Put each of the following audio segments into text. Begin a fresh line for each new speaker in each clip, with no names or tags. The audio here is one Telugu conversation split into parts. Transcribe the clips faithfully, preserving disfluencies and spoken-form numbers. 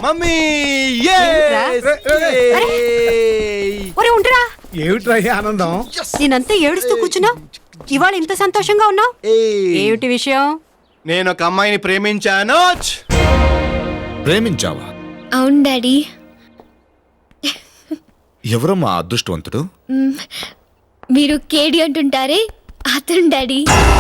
మమ్మీ
ఏమిట్రా ఈ ఆనందం?
నేనంతా ఏడుస్తూ కూర్చున్నా, ఇవాళ ఇంత సంతోషంగా ఉన్నావు, ఏమిటి విషయం?
నేను ఒక అమ్మాయిని ప్రేమించాను.
ప్రేమించావా?
అవును డాడీ.
ఎవరమ్మా అదృష్టవంతుడు?
మీరు కేడి అంటుంటారే అతను డాడీ.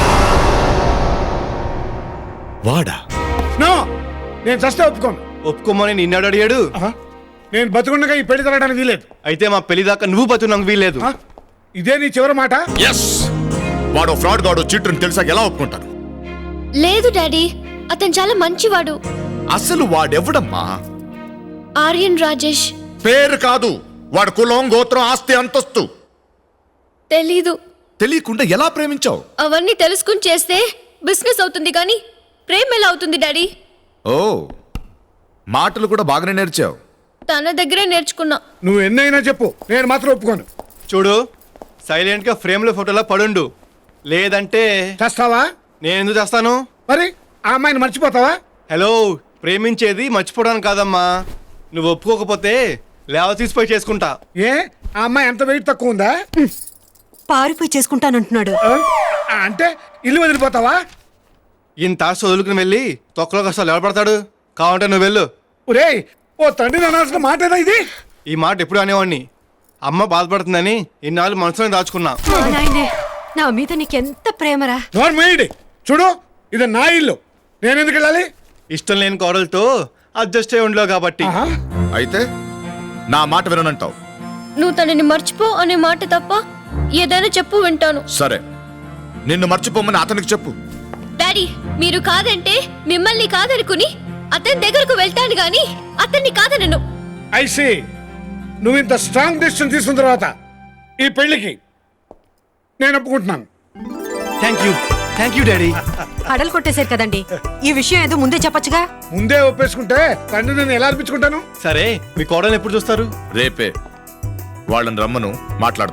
వాడా?
నో, నేను చస్తే ఒప్పుకోను.
ఒప్పుకోమని నిన్నాడు అడిగాడు.
ఆహా, నేను బతుకుండగా ఈ పెళ్లి జరగడానికి వీలేదు.
అయితే మా పెళ్లి దాకా నువ్వు బతుకు వీల్లేదు.
ఆ, ఇదే నీ చివరి మాట?
ఎస్. వాడు ఫ్రాడ్ గాడు, చీటర్ తెలిసాక ఎలా ఒప్పుకుంటాను?
లేదు డాడీ, అతను చాలా మంచివాడు.
అసలు వాడెవడమ్మా?
ఆర్యన్ రాజేష్.
పేరు కాదు, వాడు కులం, గోత్రం, ఆస్తి, అంతస్తు
తెలీదు.
తెలియకుండా ఎలా ప్రేమించావు?
అవన్నీ తెలుసుకుని చేస్తే బిజినెస్ అవుతుంది కానీ ప్రేమ ఎలా అవుతుంది డాడీ?
ఓ, మాటలు కూడా బాగానే నేర్చావు.
తన దగ్గరే నేర్చుకున్నా.
నువ్వు ఎన్నైనా చెప్పు, నేను మాత్రం ఒప్పుకోను.
చూడు, సైలెంట్ గా ఫ్రేమ్ లో ఫోటోలో పడుండు, లేదంటే
చేస్తావా?
నేను ఎందుకు చేస్తాను?
మరి ఆ అమ్మాయిని మర్చిపోతావా?
హలో, ప్రేమించేది మర్చిపోవడానికి కాదమ్మా. నువ్వు ఒప్పుకోకపోతే లేవ తీసిపోయి చేసుకుంటా.
ఏ, ఆ అమ్మాయి ఎంత వెయిట్ తక్కువ ఉందా?
పారిపోయి చేసుకుంటానంటున్నాడు.
ఆ, అంటే ఇల్లు వదిలిపోతావా?
ఇంత ఆశ వదులుకుని వెళ్ళి తొక్కలో కష్టాలు ఎవడపడతాడు? కావాలంటే నువ్వు వెళ్ళు.
ఒరేయ్, ఓ తండ్రిని అనాల్సిన మాటేనా ఇది?
ఈ మాట ఎప్పుడు అనేవాడిని. అమ్మ బాధపడుతుందని ఇన్నాళ్ళు మనసులో దాచుకున్నా.
మా నాయనే, నా మీద నీకెంత ప్రేమరా.
నోర్మేయండి. చూడు, ఇది నా ఇల్లు, నేను ఎందుకు వెళ్ళాలి?
ఇష్టం లేని కోడలతో అడ్జస్ట్ అయి ఉండలేవు కాబట్టి.
ఆహా,
అయితే నా మాట విననంటావు?
నువ్వు తనని మర్చిపో అనే మాట తప్ప ఏదైనా చెప్పు వింటాను.
సరే, నిన్ను మర్చిపోమని అతనికి చెప్పు.
డాడీ, మీరు కాదంటే మిమ్మల్ని కాదనుకుని అతని దగ్గరకు వెళ్తాను గాని అతన్ని కాదనను.
I see. నువ్వు ఇంత స్ట్రాంగ్ డిసిషన్ తీసుకున్న తర్వాత ఈ పెళ్లికి నేను ఒప్పుకుంటున్నాను.
Thank you thank you daddy.
అడలు కొట్టేశారు కదండి, ఈ విషయం ఏదో ముందే చెప్పొచ్చుగా.
ముందే ఒప్పేసుకుంటే తండ్రి నేను ఎలా అనిపించుకుంటాను?
సరే, మీ కోడల్ని ఎప్పుడు చూస్తారు?
రేపే వాళ్ళని రమ్మను, మాట్లాడతాను.